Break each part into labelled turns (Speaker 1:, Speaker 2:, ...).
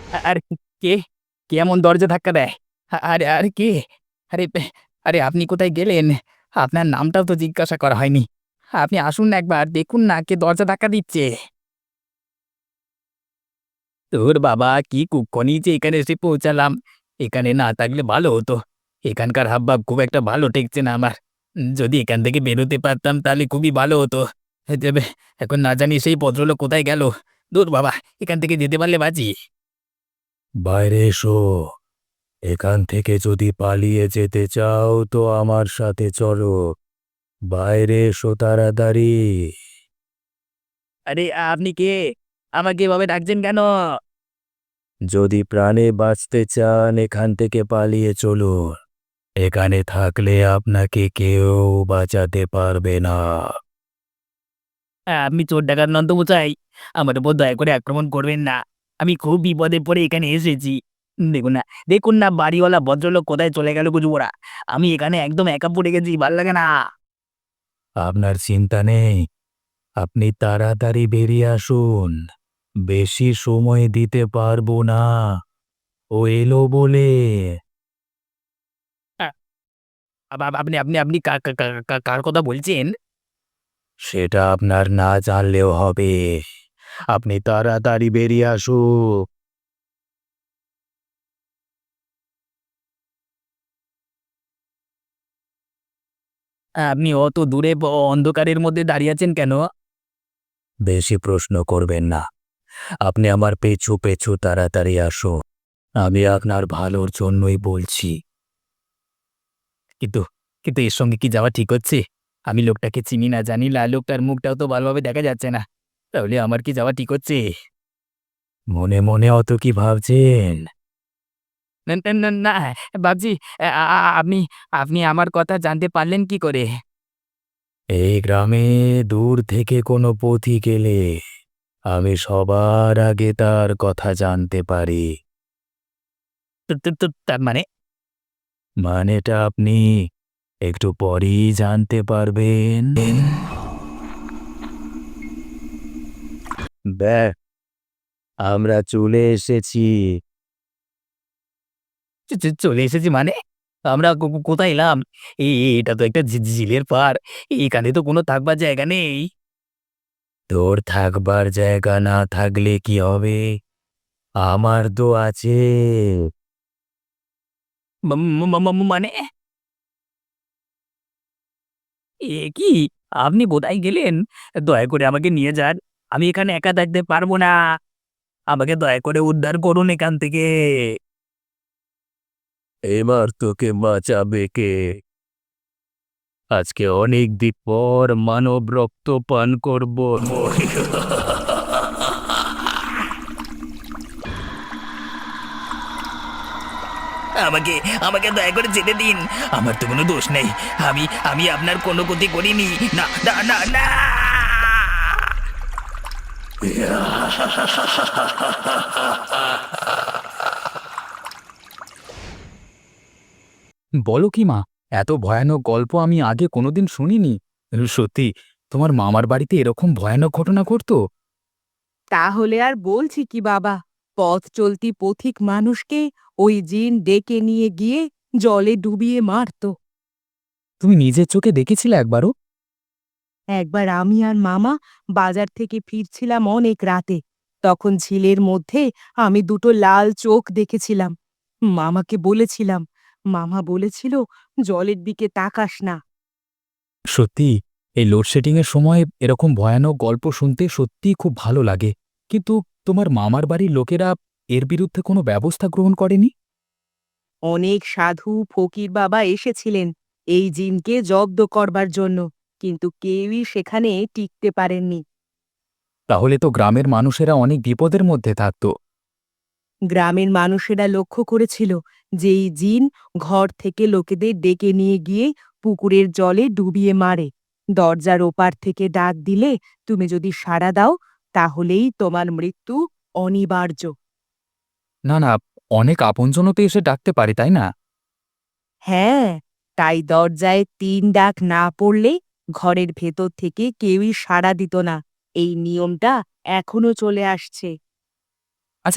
Speaker 1: আরে কে? কে এমন দরজা ধাক্কা দেয়? আরে আরে কে? আরে আরে আপনি কোথায় গেলেন? আপনার নামটাও তো জিজ্ঞাসা করা হয়নি। আপনি আসুন না একবার দেখুন না কে দরজা ধাক্কা দিচ্ছে। ধুর বাবা কি কুক্ষণই যে এখানে এসে পৌঁছালাম। এখানে না থাকলে ভালো হতো। এখানকার হাবভাব খুব একটা ভালো ঠেকছে না আমার। যদি এখান থেকে বেরোতে পারতাম তাহলে খুবই ভালো হতো। তবে এখন না জানি সেই ভদ্রলোক কোথায় গেল। ধুর বাবা এখান থেকে যেতে পারলে বাঁচি।
Speaker 2: বাইরে এসো। এখান থেকে যদি পালিয়ে যেতে চাও তো আমার সাথে চলো। বাইরে এসো তাড়াতাড়ি।
Speaker 1: আরে আপনি কে? আমাকে এভাবে ডাকছেন কেন?
Speaker 2: যদি প্রাণে বাঁচতে চান এখান থেকে পালিয়ে চলুন। এখানে থাকলে আপনাকে কেউ বাঁচাতে পারবে না।
Speaker 1: আপনি চোর ডাকাত নন তো মশাই। আমার উপর দয়া করে আক্রমণ করবেন না। আমি খুব বিপদে পড়ে এখানে এসেছি। দেখুন না, দেখুন না বাড়িওয়ালা ভদ্রলোক কোথায় চলে গেল বুঝবোরা। আমি এখানে একদম একা পড়ে গেছি, ভাল লাগে না।
Speaker 2: আপনার চিন্তা নেই, আপনি তাড়াতাড়ি বেরিয়ে আসুন। বেশি সময় দিতে পারবো না। ও এলো বলে।
Speaker 1: আ আপনি আপনি আপনি কার কথা বলছেন?
Speaker 2: সেটা আপনার না জানলেও হবে। আপনি তাড়াতাড়ি বেরিয়ে আসুন।
Speaker 1: আপনি অত দূরে অন্ধকারের মধ্যে দাঁড়িয়ে আছেন কেন?
Speaker 2: বেশি প্রশ্ন করবেন না। আপনি আমার পেছু পেছু তাড়াতাড়ি আসুন। আমি আপনার ভালোর জন্যই বলছি।
Speaker 1: কিন্তু কিন্তু এর সঙ্গে কি যাওয়া ঠিক হচ্ছে? আমি লোকটাকে চিনি না জানি না, লোকটার মুখটাও তো ভালোভাবে দেখা যাচ্ছে না। তাহলে আমার কি যাওয়া ঠিক হচ্ছে?
Speaker 2: মনে মনে অত কি ভাবছেন?
Speaker 1: না, না, না, না, ভাবছি আ আ আ- আপনি আপনি আমার কথা জানতে পারলেন কি করে?
Speaker 2: এই গ্রামে দূর থেকে কোনো পথিক এলে আমি সবার আগে তার কথা জানতে পারি।
Speaker 1: তো তো তো তার মানে?
Speaker 2: মানেটা আপনি একটু পরেই জানতে পারবেন। ব্যাস, আমরা চলে এসেছি।
Speaker 1: চলে এসেছি মানে? আমরা কোথায় এলাম? এটা তো একটা ঝিলের পাড়। এখানে তো কোনো থাকবার জায়গা নেই।
Speaker 2: তোর থাকবার জায়গা না থাকলে কি হবে? আমার তো আছে।
Speaker 1: ম ম ম ম মানে? কি? আপনি কোথায় গেলেন? দয়া করে আমাকে নিয়ে যান। আমি এখানে একা থাকতে পারবো না। আমাকে দয়া করে উদ্ধার করুন এখান থেকে।
Speaker 2: এবার তোকে বাঁচাবে কে? আজকে অনেক দিন পর মানব রক্ত পান করব।
Speaker 1: আমাকে আমাকে দয়া করে যেতে দিন। আমার তো কোনো দোষ নেই। আমি আমি আপনার কোনো ক্ষতি করিনি। না, না, না, না! বলো কি মা, এত ভয়ানক গল্প আমি আগে কোনোদিন শুনিনি। সত্যি তোমার মামার বাড়িতে এরকম ভয়ানক ঘটনা ঘটতো?
Speaker 3: তাহলে আর বলছি কি বাবা, পথ চলতি পথিক মানুষকে ওই জিন ডেকে নিয়ে গিয়ে জলে ডুবিয়ে মারত।
Speaker 1: তুমি নিজের চোখে দেখেছিলে একবারও?
Speaker 3: একবার আমি আর মামা বাজার থেকে ফিরছিলাম অনেক রাতে। তখন ঝিলের মধ্যে আমি দুটো লাল চোখ দেখেছিলাম। মামাকে বলেছিলাম, মামা বলেছিল জলের দিকে তাকাস না।
Speaker 1: সত্যি এই লোডশেডিং এর সময় এরকম ভয়ানক গল্প শুনতে সত্যিই খুব ভালো লাগে। কিন্তু তোমার মামার বাড়ির লোকেরা এর বিরুদ্ধে কোনো ব্যবস্থা গ্রহণ করেনি?
Speaker 3: অনেক সাধু ফকির বাবা এসেছিলেন এই জিনকে জব্দ করবার জন্য, কিন্তু কেউই সেখানে টিকতে পারেননি।
Speaker 1: তাহলে তো গ্রামের মানুষেরা অনেক বিপদের মধ্যে থাকতো।
Speaker 3: গ্রামের মানুষেরা লক্ষ্য করেছিল যে এই জিন ঘর থেকে লোকেদের ডেকে নিয়ে গিয়ে পুকুরের জলে ডুবিয়ে মারে। দরজার ওপার থেকে ডাক দিলে তুমি যদি সাড়া দাও তাহলেই তোমার মৃত্যু অনিবার্য।
Speaker 1: না, না, অনেক আপনজনও তো এসে ডাকতে পারে, তাই না?
Speaker 3: হ্যাঁ, তাই দরজায় ৩ ডাক না পড়লে ঘরের ভেতর থেকে কেউই সাড়া দিত না। এই নিয়মটা এখনো চলে আসছে।
Speaker 1: আচ্ছা,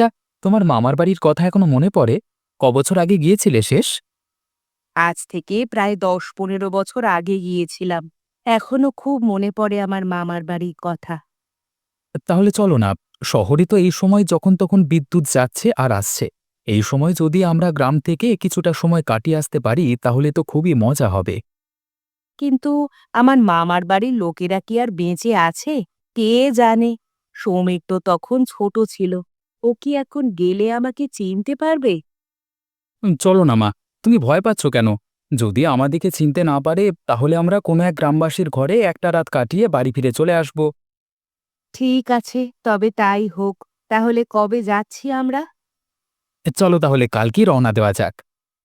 Speaker 1: তোমার মামার বাড়ির কথা এখনো মনে পড়ে? কবছর আগে গিয়েছিলে শেষ?
Speaker 3: আজ থেকে প্রায় ১০-১৫ বছর আগে গিয়েছিলাম। এখনো খুব মনে পড়ে আমার মামার বাড়ির কথা।
Speaker 1: তাহলে চলো না, শহরে তো এই সময় যখন তখন বিদ্যুৎ যাচ্ছে আর আসছে। এই সময় যদি আমরা গ্রাম থেকে কিছুটা সময় কাটিয়ে আসতে পারি তাহলে তো খুবই মজা হবে।
Speaker 3: কিন্তু আমার মামার বাড়ির লোকেরা কি আর বেঁচে আছে? কে জানে? সৌমিক তো তখন ছোট ছিল। ও কি এখন গেলে আমাকে চিনতে পারবে?
Speaker 1: চলো না মা, তুমি ভয় পাচ্ছ কেন? যদি আমাদেরকে চিনতে না পারে তাহলে আমরা কোনো এক গ্রামবাসীর ঘরে একটা রাত কাটিয়ে বাড়ি ফিরে চলে আসব।
Speaker 3: ঠিক আছে, তবে তাই হোক। তাহলে কবে যাচ্ছি আমরা?
Speaker 1: চলো তাহলে কালকেই রওনা দেওয়া যাক।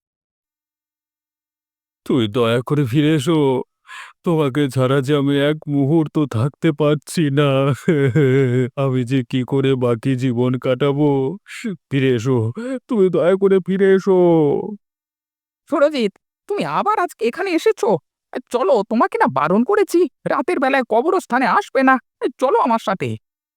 Speaker 2: তুই দয়া করে ফিরে এসো। তোমাকে ছাড়া যে আমি এক মুহূর্ত থাকতে পারছি না। আমি যে কি করে বাকি জীবন কাটাবো। ফিরে এসো, তুমি দয়া করে ফিরে এসো।
Speaker 1: সুরজিৎ, তুমি আবার আজকে এখানে এসেছো? চলো, তোমাকে না বারণ করেছি রাতের বেলায় কবরস্থানে আসবে না। চলো আমার সাথে।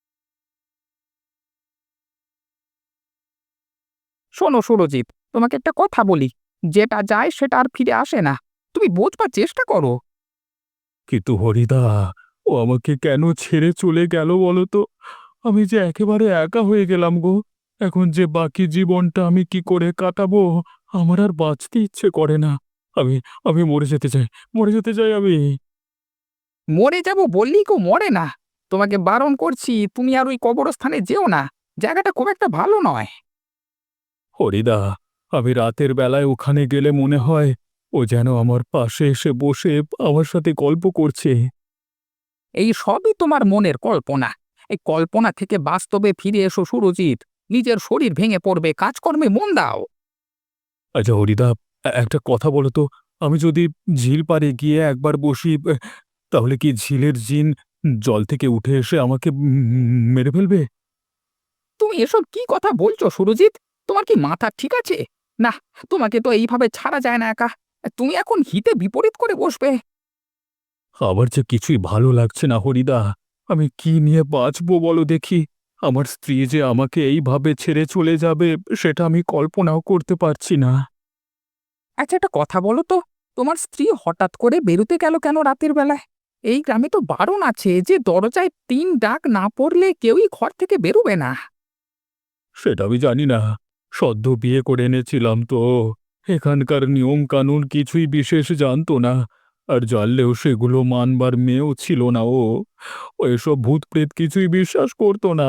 Speaker 1: শোনো সুরজিৎ, তোমাকে একটা কথা বলি, যেটা যায় সেটা আর ফিরে আসে না। তুমি বোঝবার চেষ্টা করো।
Speaker 2: কিন্তু হরিদা, ও আমাকে কেন ছেড়ে চলে গেল বলো তো? আমি যে একেবারে একা হয়ে গেলাম গো। এখন যে বাকি জীবনটা আমি কি করে কাটাবো, আমার আর বাঁচতে ইচ্ছে করে না। আমি আমি মরে যেতে চাই, মরে যেতে চাই আমি।
Speaker 1: মরে যাব বললেই কেউ মরে না। তোমাকে বারণ করছি, তুমি আর ওই কবরস্থানে যেও না। জায়গাটা খুব একটা ভালো নয়।
Speaker 2: হরিদা, আমি রাতের বেলায় ওখানে গেলে মনে হয় ও যেন আমার পাশে এসে বসে আমার সাথে গল্প করছে।
Speaker 1: এই সবই তোমার মনের কল্পনা। এই কল্পনা থেকে বাস্তবে ফিরে এসো সুরজিৎ। নিজের শরীর ভেঙে পড়বে, কাজকর্মে মন দাও।
Speaker 2: আচ্ছা হরিদা, একটা কথা বলো তো, আমি যদি ঝিল পাড়ে গিয়ে একবার বসি, তাহলে কি ঝিলের জিন জল থেকে উঠে এসে আমাকে মেরে ফেলবে?
Speaker 1: তুমি এসব কি কথা বলছো সুরজিৎ? তোমার কি মাথা ঠিক আছে? না, তোমাকে তো এইভাবে ছাড়া যায় না একা। তুমি এখন হিতে বিপরীত করে বসবে।
Speaker 2: আমার যে কিছুই ভালো লাগছে না হরিদা। আমি কি নিয়ে বাঁচবো বলো দেখি? আমার স্ত্রী যে আমাকে এইভাবে ছেড়ে চলে যাবে, সেটা আমি কল্পনাও করতে পারছি না।
Speaker 1: আচ্ছা, একটা কথা বলো তো, তোমার স্ত্রী হঠাৎ করে বেরোতে গেল কেন রাতের বেলায়? এই গ্রামে তো বারণ আছে যে দরজায় ৩ ডাক না পড়লে কেউই ঘর থেকে বেরোবে না।
Speaker 2: সেটা আমি জানি না। সদ্য বিয়ে করে এনেছিলাম তো। এখানকার নিয়ম কানুন কিছুই বিশেষ জানতো না। আর জানলেও সেগুলো মানবার মেয়েও ছিল না ও। ও এসব ভূত প্রেত কিছুই বিশ্বাস করতো না।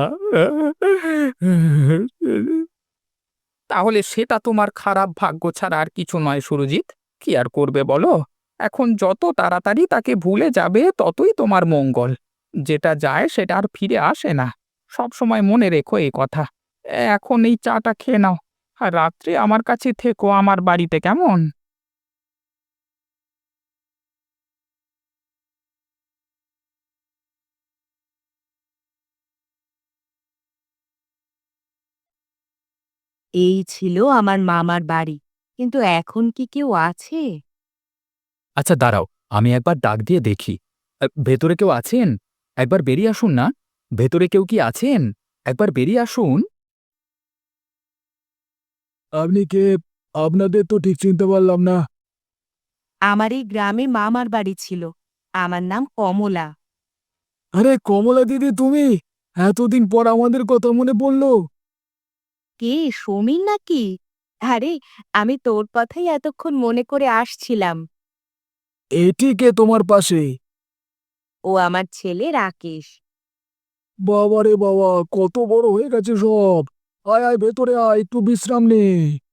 Speaker 1: তাহলে সেটা তোমার খারাপ ভাগ্য ছাড়া আর কিছু নয় সুরজিৎ। কি আর করবে বলো? এখন যত তাড়াতাড়ি তাকে ভুলে যাবে ততই তোমার মঙ্গল। যেটা যায় সেটা আর ফিরে আসে না। সব সময় মনে রেখো এই কথা। এখন এই চাটা খেয়ে নাও। আর রাত্রে আমার কাছে থেকো আমার বাড়িতে, কেমন?
Speaker 3: এই ছিল আমার মামার বাড়ি। কিন্তু এখন কি কেউ আছে?
Speaker 1: আচ্ছা দাঁড়াও, আমি একবার ডাক দিয়ে দেখি। ভেতরে কেউ আছেন? একবার বেরিয়ে আসুন না। ভেতরে কেউ কি আছেন? একবার বেরিয়ে আসুন।
Speaker 2: আপনি কে? আপনাদের তো ঠিক চিনতে পারলাম না।
Speaker 3: আমার এই গ্রামে মামার বাড়ি ছিল। আমার নাম কমলা।
Speaker 2: আরে কমলা দিদি, তুমি? এতদিন পর আমাদের কথা মনে পড়লো।
Speaker 3: কে, সমীর নাকি? আরে, আমি তোর কথাই এতক্ষণ মনে করে আসছিলাম।
Speaker 2: এটি কে তোমার পাশে?
Speaker 3: ও আমার ছেলে রাকেশ।
Speaker 2: বাবা রে বাবা, কত বড় হয়ে গেছে সব। আয় আয় ভেতরে আয়, একটু বিশ্রাম নে।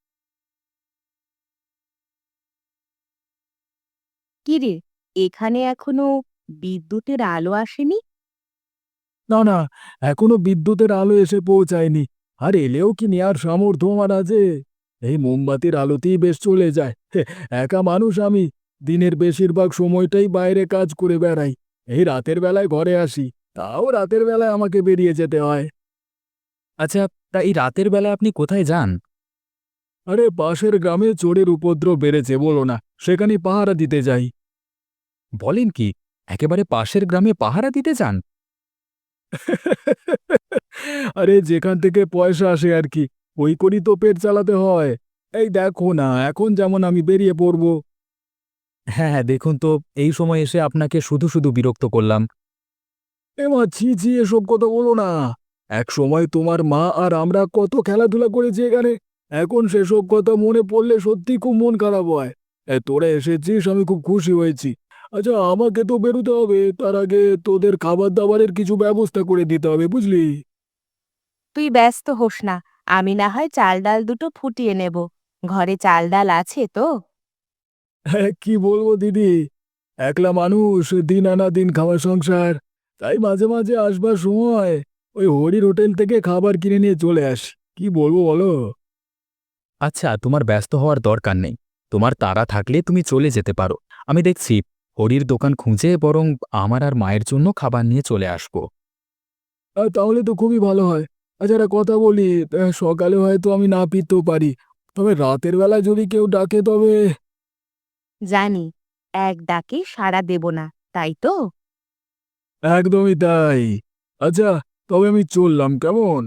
Speaker 3: কিরে, এখানে এখনো বিদ্যুতের আলো আসেনি?
Speaker 2: না না, এখনো বিদ্যুতের আলো এসে পৌঁছায়নি। আর এলেও কি নেয়ার সামর্থ্য আমার আছে? এই মোমবাতির আলোতেই বেশ চলে যায়। একা মানুষ আমি। দিনের বেশিরভাগ সময়টাই বাইরে কাজ করে বেড়াই। এই রাতের বেলায় ঘরে আসি, তাও রাতের বেলায় আমাকে বেরিয়ে যেতে হয়।
Speaker 1: আচ্ছা, তা এই রাতের বেলা আপনি কোথায় যান?
Speaker 2: আরে পাশের গ্রামে চোরের উপদ্রব বেড়েছে বলো না, সেখানে পাহারা দিতে যাই।
Speaker 1: বলেন কি? একেবারে পাশের গ্রামে পাহারা দিতে যান?
Speaker 2: আরে যেখান থেকে পয়সা আসে আর কি। ওই করি তো পেট চালাতে হয়। এই দেখো না, এখন যেমন আমি বেরিয়ে পড়বো।
Speaker 1: হ্যাঁ হ্যাঁ, দেখুন তো, এই সময় এসে আপনাকে শুধু শুধু বিরক্ত করলাম।
Speaker 2: এমা ছি ছি, এসব কথা বলো না। এক সময় তোমার মা আর আমরা কত খেলাধুলা করেছি এখানে। এখন সেসব কথা মনে পড়লে সত্যি খুব মন খারাপ হয়। তোরা এসেছিস, আমি খুব খুশি হয়েছি। আচ্ছা, আমাকে তো বেরোতে হবে, তার আগে তোদের খাবার দাবারের কিছু ব্যবস্থা করে দিতে হবে, বুঝলি?
Speaker 3: তুই ব্যস্ত হোস না, আমি না হয় চাল ডাল দুটো ফুটিয়ে নেব। ঘরে চাল ডাল আছে তো?
Speaker 2: হ্যাঁ, কি বলবো দিদি, একলা মানুষ, দিন আনা দিন খাওয়া সংসার। তাই মাঝে মাঝে আসবার সময় ওই হরির হোটেল থেকে খাবার কিনে নিয়ে চলে আসি। কি বলবো বলো?
Speaker 1: আচ্ছা, তোমার ব্যস্ত হওয়ার দরকার নেই। তোমার তাড়া থাকলে তুমি চলে যেতে পারো। আমি দেখছি হরির দোকান খুঁজে বরং আমার আর মায়ের জন্য খাবার নিয়ে চলে আসবো।
Speaker 2: তাহলে তো খুবই ভালো হয়। আচ্ছা, একটা কথা বলি, সকালে হয়তো আমি না ফিরতেও পারি, তবে রাতের বেলা যদি কেউ ডাকে তবে।
Speaker 3: জানি, এক ডাকে সাড়া দেব না, তাই তো?
Speaker 2: একদমই তাই। আচ্ছা, তবে আমি চললাম, কেমন?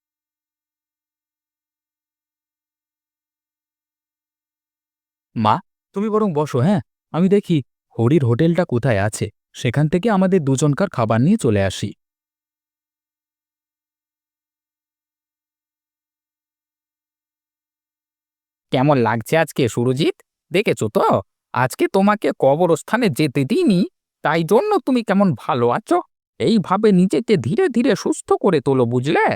Speaker 1: মা, তুমি বরং বসো, হ্যাঁ? আমি দেখি হরির হোটেলটা কোথায় আছে, সেখান থেকে আমাদের দুজনকার খাবার নিয়ে চলে আসি। কেমন লাগছে আজকে সুরজিৎ? দেখেছো তো, আজকে তোমাকে কবরস্থানে যেতে দিইনি, তাই জন্য তুমি কেমন ভালো আছো। এইভাবে নিজেকে ধীরে ধীরে সুস্থ করে তোলো, বুঝলে?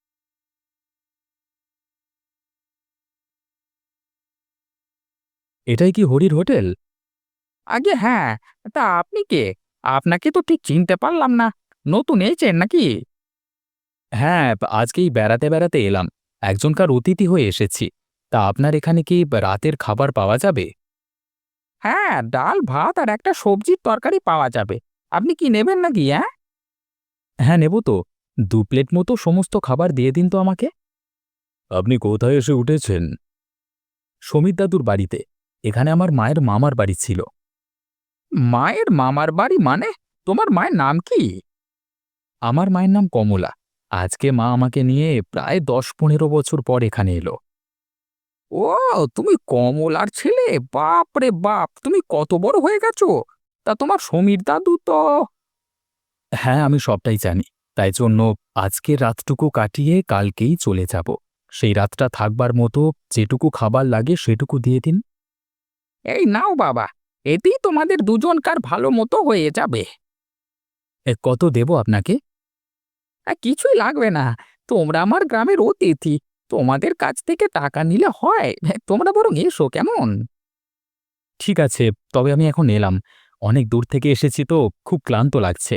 Speaker 1: এটাই কি হরির হোটেল? আগে হ্যাঁ। তা আপনি কে? আপনাকে তো ঠিক চিনতে পারলাম না। নতুন এসেছেন নাকি? হ্যাঁ, আজকেই বেড়াতে বেড়াতে এলাম। একজনকার অতিথি হয়ে এসেছি। তা আপনার এখানে কি রাতের খাবার পাওয়া যাবে? হ্যাঁ, ডাল ভাত আর একটা সবজির তরকারি পাওয়া যাবে। আপনি কি নেবেন নাকি, হ্যাঁ? হ্যাঁ, নেব তো। ২ প্লেট মতো সমস্ত খাবার দিয়ে দিন তো আমাকে।
Speaker 2: আপনি কোথায় এসে উঠেছেন?
Speaker 1: সমীর দাদুর বাড়িতে। এখানে আমার মায়ের মামার বাড়ি ছিল। মায়ের মামার বাড়ি মানে? তোমার মায়ের নাম কি? আমার মায়ের নাম কমলা। আজকে মা আমাকে নিয়ে প্রায় ১০-১৫ বছর পর এখানে এলো। ও, তুমি কমলার ছেলে? বাপ রে বাপ, তুমি কত বড় হয়ে গেছো! তা তোমার সমীর দাদু তো। হ্যাঁ, আমি সবটাই জানি। তাই জন্য আজকের রাতটুকু কাটিয়ে কালকেই চলে যাব। সেই রাতটা থাকবার মতো যেটুকু খাবার লাগে সেটুকু দিয়ে দিন। এই নাও বাবা, এতেই তোমাদের দুজনকার ভালো মতো হয়ে যাবে। কত দেব আপনাকে? কিছুই লাগবে না। তোমরা আমার গ্রামের অতিথি। তোমাদের কাছ থেকে টাকা নিলে হয়? তোমরা বরং এসো, কেমন? ঠিক আছে, তবে আমি এখন এলাম। অনেক দূর থেকে এসেছি তো, খুব ক্লান্ত লাগছে।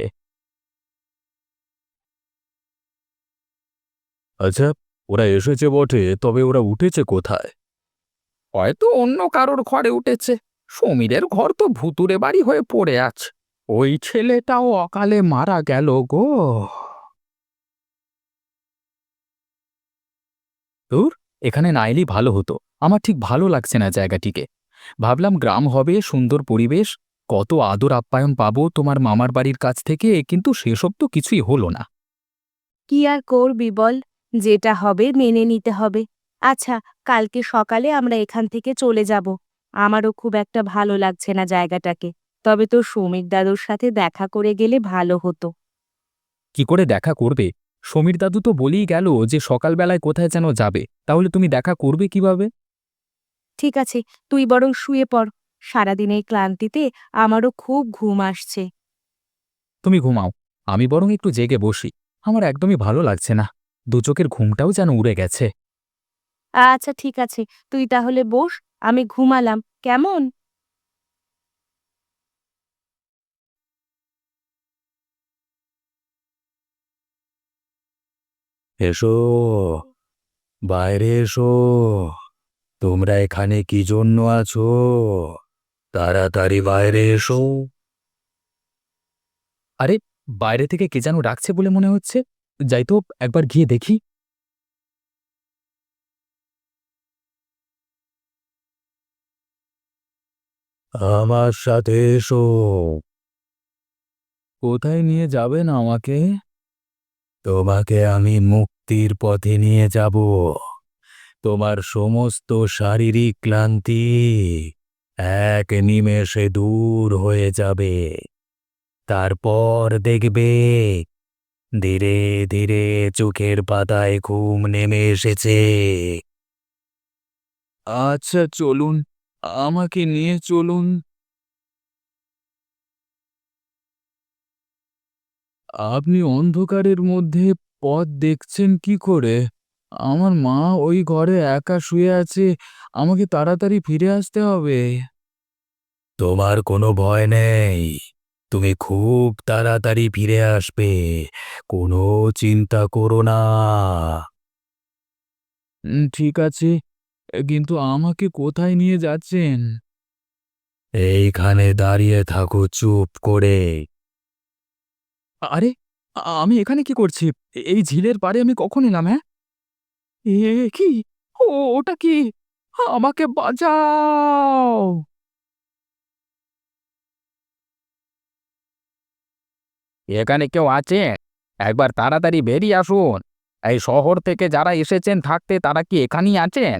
Speaker 2: আচ্ছা, ওরা এসেছে বটে, তবে ওরা উঠেছে কোথায়?
Speaker 1: হয়তো অন্য কারোর ঘরে উঠেছে। সমীরের ঘর তো ভুতুড়ে বাড়ি হয়ে পড়ে আছে। ওই ছেলেটাও অকালে মারা গেল গো। ধুর, এখানে না এলেই ভালো হতো। আমার ঠিক ভালো লাগছে না জায়গাটিকে। ভাবলাম গ্রাম হবে, সুন্দর পরিবেশ, কত আদর আপ্যায়ন পাবো তোমার মামার বাড়ির কাছ থেকে, কিন্তু সেসব তো কিছুই হলো না।
Speaker 3: কি আর করবি বল, যেটা হবে মেনে নিতে হবে। আচ্ছা, কালকে সকালে আমরা এখান থেকে চলে যাব। আমারও খুব একটা ভালো লাগছে না জায়গাটাকে। তবে তোর সমীর দাদুর সাথে দেখা করে গেলে ভালো হতো।
Speaker 1: কি করে দেখা করবে? সমীর দাদু তো বলেই গেল যে সকালবেলায় কোথায় যেন যাবে, তাহলে তুমি দেখা করবে কিভাবে?
Speaker 3: ঠিক আছে, তুই বরং শুয়ে পড়। সারাদিনের ক্লান্তিতে আমারও খুব ঘুম আসছে।
Speaker 1: তুমি ঘুমাও, আমি বরং একটু জেগে বসি। আমার একদমই ভালো লাগছে না। দু চোখের ঘুমটাও যেন উড়ে গেছে।
Speaker 3: আচ্ছা ঠিক আছে, তুই তাহলে বস, আমি ঘুমালাম, কেমন?
Speaker 2: এসো, বাইরে এসো। তোমরা এখানে কি জন্য আছো? তাড়াতাড়ি বাইরে এসো।
Speaker 1: আরে, বাইরে থেকে কে যেন ডাকছে বলে মনে হচ্ছে। যাই তো, একবার গিয়ে দেখি।
Speaker 2: আমার সাথে এসো।
Speaker 1: কোথায় নিয়ে যাবেন আমাকে?
Speaker 2: তোমাকে আমি মুক্তির পথে নিয়ে যাব। তোমার সমস্ত শারীরিক ক্লান্তি এক নিমেষে দূর হয়ে যাবে। তারপর দেখবে ধীরে ধীরে চোখের পাতায় ঘুম নেমে এসেছে। আচ্ছা চলুন, আমাকে নিয়ে চলুন। আপনি অন্ধকারের মধ্যে পথ দেখছেন কি করে? আমার মা ওই ঘরে একা শুয়ে আছে, আমাকে তাড়াতাড়ি ফিরে আসতে হবে। তোমার কোনো ভয় নেই, তুমি খুব তাড়াতাড়ি ফিরে আসবে, কোনো চিন্তা করো না। ঠিক আছে, কিন্তু আমাকে কোথায় নিয়ে যাচ্ছেন? এইখানে দাঁড়িয়ে থাকো চুপ করে। আরে, আমি এখানে কি করছি? এই ঝিলের পাড়ে আমি কখন এলাম, হ্যাঁ? কি? ওটা কি? আমাকে বাঁচাও!
Speaker 1: এখানে কেউ আছে? একবার তাড়াতাড়ি বেরিয়ে আসুন। এই শহর থেকে যারা এসেছেন থাকতে তারা কি এখানেই আছেন?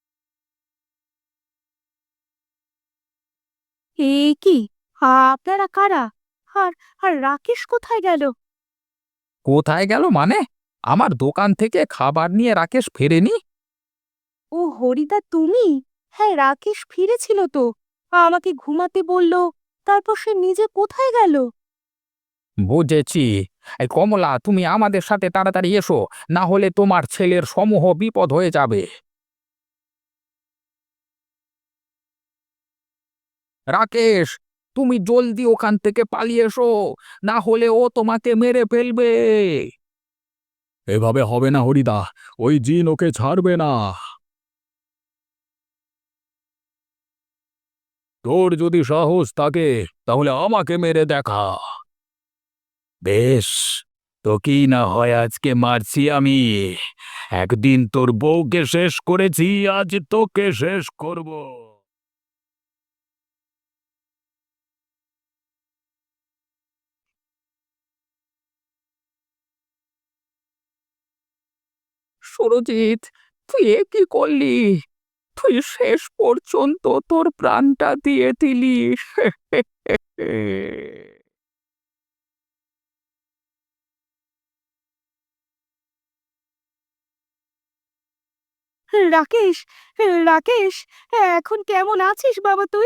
Speaker 3: এ কি? আপনারা কারা? আর আর রাকেশ কোথায় গেল?
Speaker 1: কোথায় গেল মানে? আমার দোকান থেকে খাবার নিয়ে রাকেশ ফেরেনি?
Speaker 3: ও হরিদা তুমি? হ্যাঁ, রাকেশ ফিরেছিল তো। আমাকে ঘুমাতে বলল। তারপর সে নিজে কোথায় গেল?
Speaker 1: বুঝেছি। এই কমলা, তুমি আমাদের সাথে তাড়াতাড়ি এসো, না হলে তোমার ছেলের সমূহ বিপদ হয়ে যাবে। রাকেশ, তুমি জলদি ওখান থেকে পালিয়ে এসো, না হলে ও তোমাকে মেরে ফেলবে।
Speaker 2: এভাবে হবে না হরিদা, ওই জিন ওকে ছাড়বে না। তোর যদি সাহস থাকে তাহলে আমাকে মেরে দেখা। বেশ, তোকেই না হয় আজকে মারছি আমি। একদিন তোর বউকে শেষ করেছি, আজ তোকে শেষ করব।
Speaker 1: সুরজিৎ, তুই এ কি করলি? তুই শেষ পর্যন্ত তোর প্রাণটা দিয়ে দিলি।
Speaker 3: রাকেশ, রাকেশ, এখন কেমন আছিস বাবা তুই?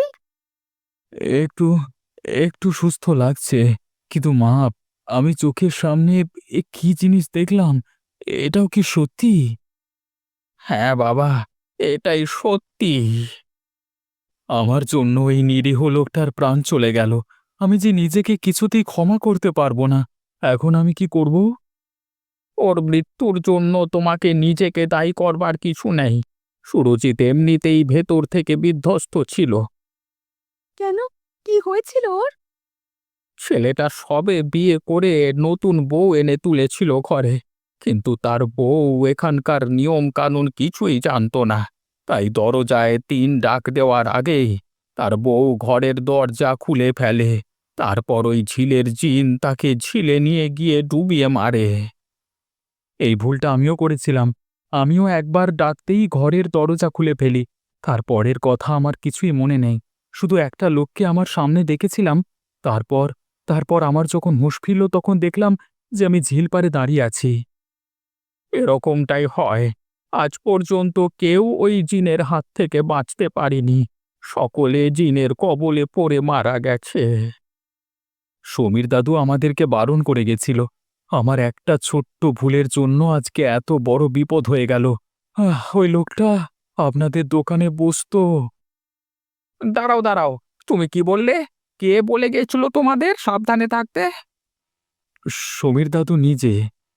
Speaker 2: একটু একটু সুস্থ লাগছে, কিন্তু মা, আমি চোখের সামনে কি জিনিস দেখলাম, এটাও কি সত্যি?
Speaker 1: হ্যাঁ বাবা, এটাই সত্যি।
Speaker 2: আমার জন্য এই নিরীহ লোকটার প্রাণ চলে গেল। আমি যে নিজেকে কিছুতেই ক্ষমা করতে পারবো না। এখন আমি কি করব?
Speaker 1: ওর মৃত্যুর জন্য তোমাকে নিজেকে দায়ী করবার কিছু নেই। সুরজিৎ এমনিতেই ভেতর থেকে বিধ্বস্ত ছিল।
Speaker 3: কেন? কি হয়েছিল ওর?
Speaker 1: ছেলেটা সবে বিয়ে করে নতুন বউ এনে তুলেছিল ঘরে, কিন্তু তার বউ এখানকার নিয়ম কানুন কিছুই জানতো না। তাই দরজায় ৩ ডাক দেওয়ার আগেই তার বউ ঘরের দরজা খুলে ফেলে। তারপর ওই ঝিলের জিন তাকে ঝিলে নিয়ে গিয়ে ডুবিয়ে মারে।
Speaker 2: এই ভুলটা আমিও করেছিলাম। আমিও একবার ডাকতেই ঘরের দরজা খুলে ফেলি। তারপরের কথা আমার কিছুই মনে নেই। শুধু একটা লোককে আমার সামনে দেখেছিলাম। তারপর তারপর আমার যখন হুঁশ ফিরল তখন দেখলাম যে আমি ঝিল পাড়ে দাঁড়িয়ে আছি।
Speaker 1: এরকমটাই হয়। আজ পর্যন্ত কেউ ওই জিনের হাত থেকে বাঁচতে পারেনি। সকলে জিনের কবলে পড়ে মারা গেছে।
Speaker 2: সমীর দাদু আমাদেরকে বারণ করে গেছিল। আমার একটা ছোট্ট ভুলের জন্য আজকে এত বড় বিপদ হয়ে গেল। ওই লোকটা আপনাদের দোকানে বসতো।
Speaker 1: দাঁড়াও দাঁড়াও, তুমি কি বললে? কে বলে গেছিল তোমাদের সাবধানে থাকতে?
Speaker 2: সমীর দাদু নিজে।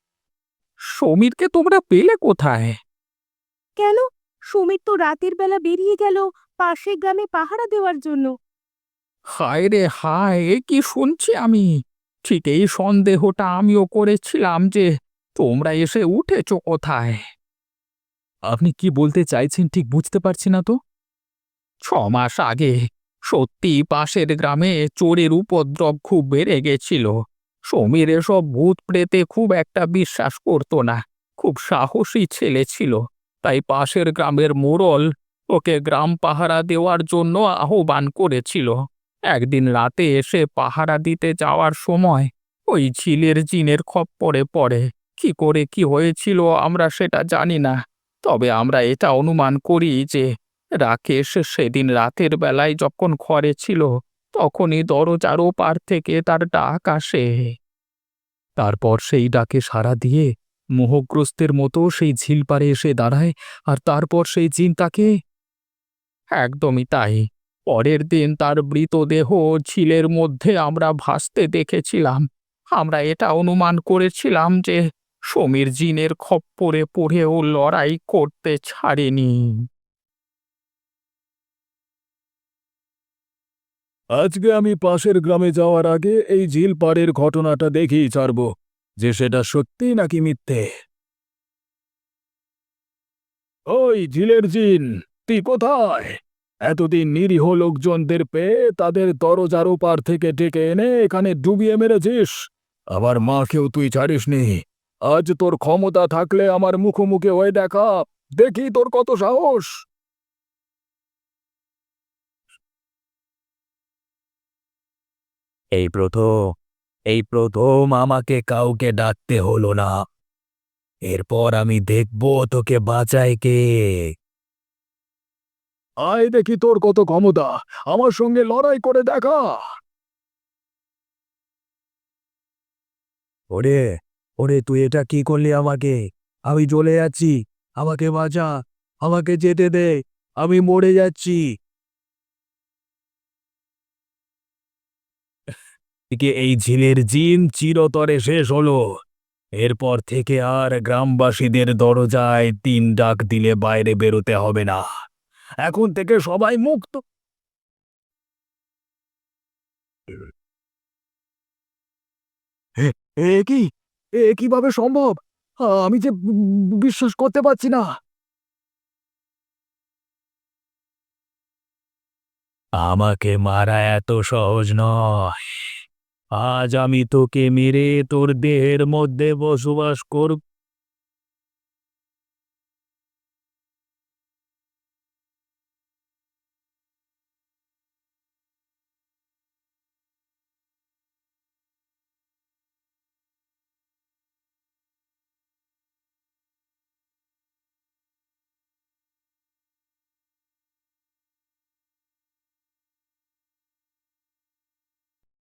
Speaker 1: সমীরকে তোমরা পেলে কোথায়?
Speaker 3: কেন? সুমিত তো রাতের বেলা বেরিয়ে গেল পাশের গ্রামে পাহারা দেওয়ার জন্য।
Speaker 1: হায় রে হায়, এ কি শুনছি আমি! ঠিক এই সন্দেহটা আমিও করেছিলাম যে তোমরা এসে উঠেছো কোথায়।
Speaker 2: আপনি কি বলতে চাইছেন ঠিক বুঝতে পারছি না তো।
Speaker 1: ৬ মাস আগে সত্যি পাশের গ্রামে চোরের উপদ্রব খুব বেড়ে গেছিল। সমীর এসব ভূত প্রেতে খুব একটা বিশ্বাস করতো না। খুব সাহসী ছেলে ছিল। তাই পাশের গ্রামের মোড়ল ওকে গ্রাম পাহারা দেওয়ার জন্য আহ্বান করেছিল। একদিন রাতে এসে পাহারা দিতে যাওয়ার সময় ওই ঝিলের জিনের খপ্পরে পড়ে। কি করে কি হয়েছিল আমরা সেটা জানি না, তবে আমরা এটা অনুমান করি যে রাকেশ সেদিন রাতের বেলায় যখন ঘরে ছিল তখনই দরজার ওপার থেকে তার ডাক আসে। তারপর সেই ডাকে সাড়া দিয়ে মোহগ্রস্তের মতো সেই ঝিল পাড়ে এসে দাঁড়ায়, আর তারপর সেই জিন তাকে। একদমই তাই। পরের দিন তার মৃতদেহ ঝিলের মধ্যে আমরা ভাসতে দেখেছিলাম। আমরা এটা অনুমান করেছিলাম যে সমীর জিনের খপ্পরে পড়েও লড়াই করতে ছাড়েনি।
Speaker 2: আজকে আমি পাশের গ্রামে যাওয়ার আগে এই ঝিল পাড়ের ঘটনাটা দেখেই ছাড়ব, যে সেটা সত্যি নাকি মিথ্যে। ওই ঝিলের জিন, তুই কোথায়? এতদিন নিরীহ লোকজনদের পেয়ে তাদের দরজার ওপার থেকে ডেকে এনে এখানে ডুবিয়ে মেরেছিস। আমার মাকেও তুই ছাড়িসনি। আজ তোর ক্ষমতা থাকলে আমার মুখোমুখি হয়ে দেখা, দেখি তোর কত সাহস। এই প্রথম আমাকে কাউকে ডাকতে হলো না। এরপর আমি দেখব তোকে বাঁচায় কে। আয় দেখি তোর কত ক্ষমতা, আমার সঙ্গে লড়াই করে দেখা। ওরে, ওরে, তুই এটা কি করলি আমাকে? আমি জ্বলে যাচ্ছি, আমাকে বাঁচা, আমাকে যেতে দে, আমি মরে যাচ্ছি। এই ঝিলের জিন চিরতরে শেষ হলো। এরপর থেকে আর গ্রামবাসীদের দরজায় ৩ ডাক দিলে বাইরে বেরোতে হবে না। এখন থেকে সবাই মুক্ত। এ এ কি কিভাবে সম্ভব? আমি যে বিশ্বাস করতে পারছি না। আমাকে মারা এত সহজ নয়। আজ আমি তোকে মেরে তোর দেহের মধ্যে বসবাস করব।